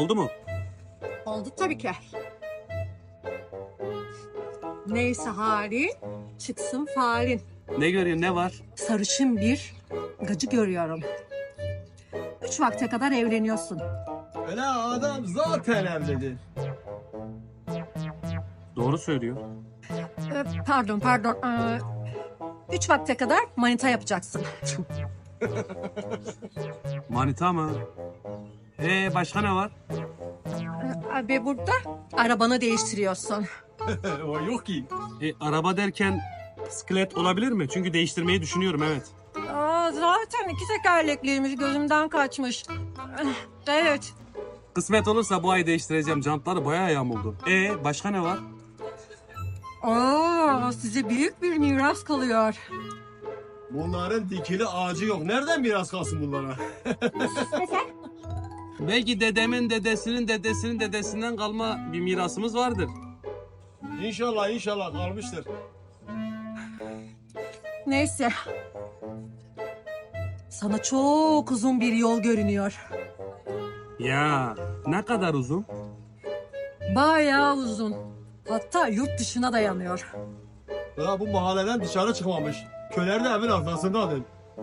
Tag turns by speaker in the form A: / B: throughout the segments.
A: Oldu mu?
B: Oldu tabii ki. Neyse halin, çıksın falin.
A: Ne görüyorsun, ne var?
B: Sarışın bir gacı görüyorum. 3 vakte kadar evleniyorsun.
C: Öyle adam zaten evledi.
A: Doğru söylüyor.
B: Pardon. 3 vakte kadar manita yapacaksın.
A: Manita mı? Başka ne var?
B: Ve burada arabanı değiştiriyorsun.
C: O yok ki.
A: Araba derken bisiklet olabilir mi? Çünkü değiştirmeyi düşünüyorum, evet.
B: Zaten 2 tekerlekliymiş, gözümden kaçmış. Evet.
A: Kısmet olursa bu ay değiştireceğim. Jantları bayağı yamuldu. Başka ne var?
B: Size büyük bir miras kalıyor.
C: Bunların dikili ağacı yok. Nereden miras kalsın bunlara?
A: Belki dedemin dedesinin dedesinin dedesinden kalma bir mirasımız vardır.
C: İnşallah kalmıştır.
B: Neyse. Sana çok uzun bir yol görünüyor.
A: Ya ne kadar uzun?
B: Bayağı uzun. Hatta yurt dışına dayanıyor.
C: Ya bu mahalleden dışarı çıkmamış. Köler de evin arkasındadır.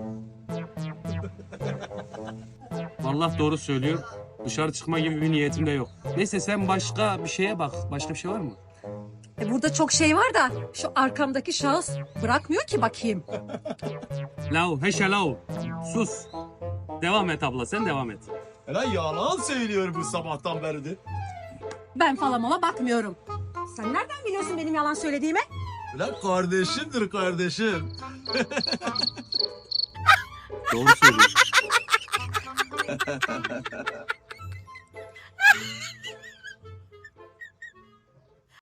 A: Vallahi doğru söylüyor. Dışarı çıkma gibi bir niyetim de yok. Neyse sen başka bir şeye bak. Başka bir şey var mı?
B: Burada çok şey var da şu arkamdaki şahıs bırakmıyor ki bakayım.
A: Heşelav. Sus. Devam et abla, sen devam et.
C: Öyle yalan söylüyor bu sabahtan beridir.
B: Ben falan ona bakmıyorum. Sen nereden biliyorsun benim yalan söylediğimi?
C: Öyle kardeşimdir kardeşim.
A: Doğru söylüyor.